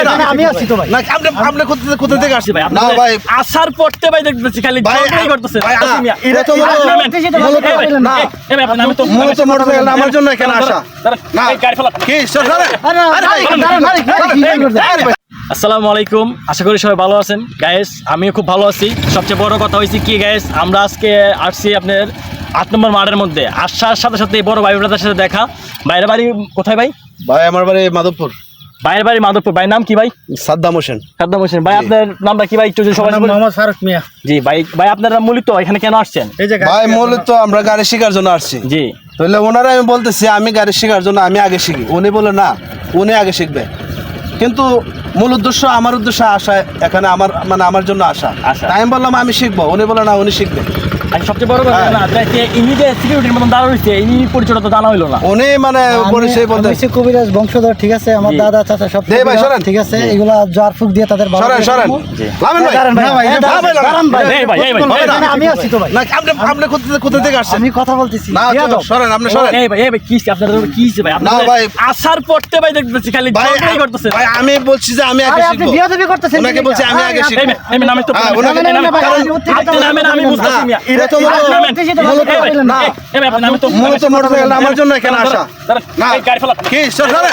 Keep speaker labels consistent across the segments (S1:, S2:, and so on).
S1: আমি আছি তো ভাই।
S2: না আপনি কোথা থেকে আসছি ভাই?
S3: না ভাই
S4: আসার পড়তে ভাই দেখতেছি খালি ঝগড়াই করতেছে।
S2: এটা তো মূলত মোটরসাইকেল আমার জন্য এখানে আসা না কি
S4: আসসালামু আলাইকুম, আশা করি সবাই ভালো আছেন গাইস। আমিও খুব ভালো আছি। সবচেয়ে বড় কথা হয়েছে কি গাইস, আমরা আজকে আসছি আপনার 8 নম্বর মাঠের মধ্যে। আসার সাথে সাথে বড় ভাই ব্রাদার সাথে দেখা। বাইরের বাড়ি কোথায় ভাই?
S2: ভাই আমার বাড়ি মাধবপুর।
S4: বাইরের বাড়ি মাধবপুর। ভাই নাম কি ভাই?
S2: সাদ্দাম হোসেন।
S4: সাদ্দাম হোসেন। ভাই আপনার নামটা কি ভাই? একটু যদি সবাই
S1: মোহাম্মদ ফারুক মিয়া।
S4: জি ভাই। ভাই আপনারা মূলত এখানে কেন আসছেন?
S1: এই যে
S2: ভাই মূলত আমরা গাড়ি শেখার জন্য আসছি।
S4: জি
S2: তাহলে ওনারা আমি বলতেছি আমি গাড়ি শেখার জন্য আমি আগে শিখি, উনি বলে না উনি আগে শিখবে। কিন্তু মূল উদ্দেশ্য আমার উদ্দেশ্য আসা এখানে আমার মানে আমার জন্য আসা। তাই আমি বললাম আমি শিখবো, উনি বলে না উনি শিখবে।
S4: আর সবচেয়ে বড় কথা না ইনি যে সিকিউরিটির মতন দাঁড়া রয়েছে, ইনি পরিচয়টা তো জানা হইলো না।
S2: উনি মানে পরিচয় বলতে
S1: কবিরাজ বংশধর, ঠিক আছে, আমার দাদা চাচা সব ঠিক আছে, এগুলা জার ফুক দিয়ে তাদের আমি আছি তো ভাই।
S2: না আপনি কোথা থেকে আসছেন?
S1: আমি কথা বলতেছি
S2: না সরেন আপনি সরেন।
S4: এই ভাই কি আপনাদের কি ভাই?
S2: না ভাই
S4: আসার পড়তে ভাই দেখতেছি খালি ঝগড়াই করতেছে।
S2: ভাই আমি বলছি যে আমি আগে
S1: আপনি
S2: শিখবো।
S1: বিয়াদবি করতেছেন।
S2: ওনাকে বলছি আমি আগে শিখবো।
S4: আমি নামে তো আমি বুঝতেছি না।
S2: এটা তো মূলত মোটরসাইকেল আমার জন্য এখানে আসা না কি সরেন।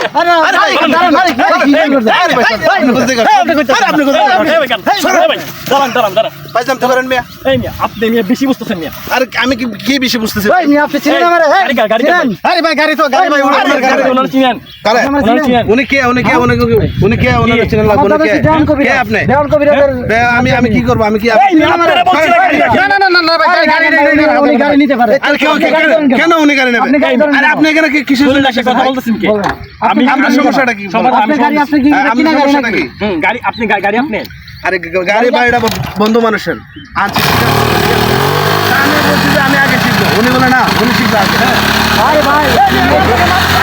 S4: আপনি বেশি বুঝতেছেন মিয়া।
S2: আর আমি কি বেশি বুঝতেছি?
S1: আপনি চিনেন আমারে? আরে ভাই গাড়ি তো গাড়ি ভাই
S2: উনি কে ওনাকে চিনেন লাগবে না কে আপনি? আমি কি করবো? আমি কি
S1: উনি গাড়ি নিতে পারে।
S2: কেন উনি গাড়ি নেবেন? আরে আপনি এখানে কিসের জন্য
S4: কথা বলতেছেন কি?
S2: আমি আপনার সমস্যাটা কি?
S1: আপনার গাড়ি আপনি কি কিনা গাড়ি নাকি?
S4: গাড়ি আপনি গাড়ি আপনি
S2: আরে গাড়ি বাড়িটা বন্ধু মানুষের আনছি। আমি বলছি যে আমি আগে শিখবো, উনি বলে না উনি শিখবে আগে।
S1: আরে ভাই